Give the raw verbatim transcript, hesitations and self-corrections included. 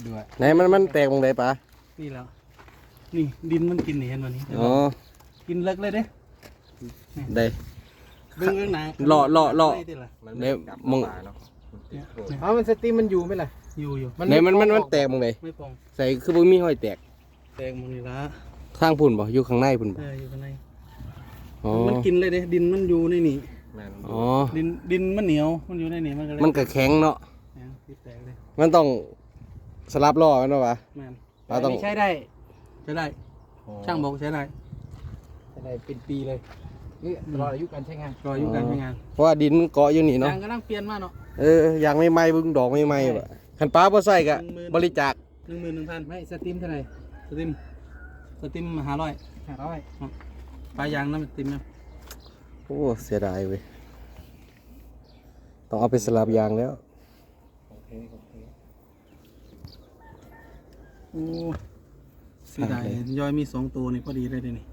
ด้วยไหนมันมันแตกตรงไหนปะนี่แล้วนี่ดินมันกินเห็นวันนี้อ๋อกินเลิกเลยเด้ได้เบื้องเรื่องหนาเลาะเลาะเลาะเดี๋ยวมึงเนาะเอามันสตรีมมันอยู่ไหมล่ะอยู่อยู่ไหนมันมันมันแตกตรงไหนไม่ปองใส่คือบ่มีห้อยแตกแตงมันนี่ละข้างพุ่นบ่อยู่ข้างในพุ่นบ่เอออยู่ข้างในอ๋อมันกินเลยเด้ดินมันอยู่ในนี่อ๋อดินดินมันเหนียวมันอยู่ในนี่มันก็เลยมันก็แข็งเนาะเนี่ยที่แตกเลยมันต้องสลับล้อกันเนาะวะแม่นเราต้องใช้ได้ใช้ได้ช่างบอกใช้ได้ใช้ได้เป็นปีเลยนี่ตลอดอายุการใช้งานรออยู่การใช้งานเพราะว่าดินมันเกาะอยู่นี่เนาะยางก็นั่งเปลี่ยนมาเนาะเอออย่างไม่ไหม้เบึงดอกไม่ไหม้บ่คันป้าบ่ใส่ก็บริจาคหนึ่งหมื่นหนึ่งพันไม่สตรีมเท่าไหร่สติมสติมห้าร้อยห้าร้อยปลายางน้ำสติมนะโอ้เสียดายเว้ยต้องเอาไปสลับยางแล้วโอ้เสียดายย่อยมีสองตัวนี่พอดีเลยเดี๋ยวนี้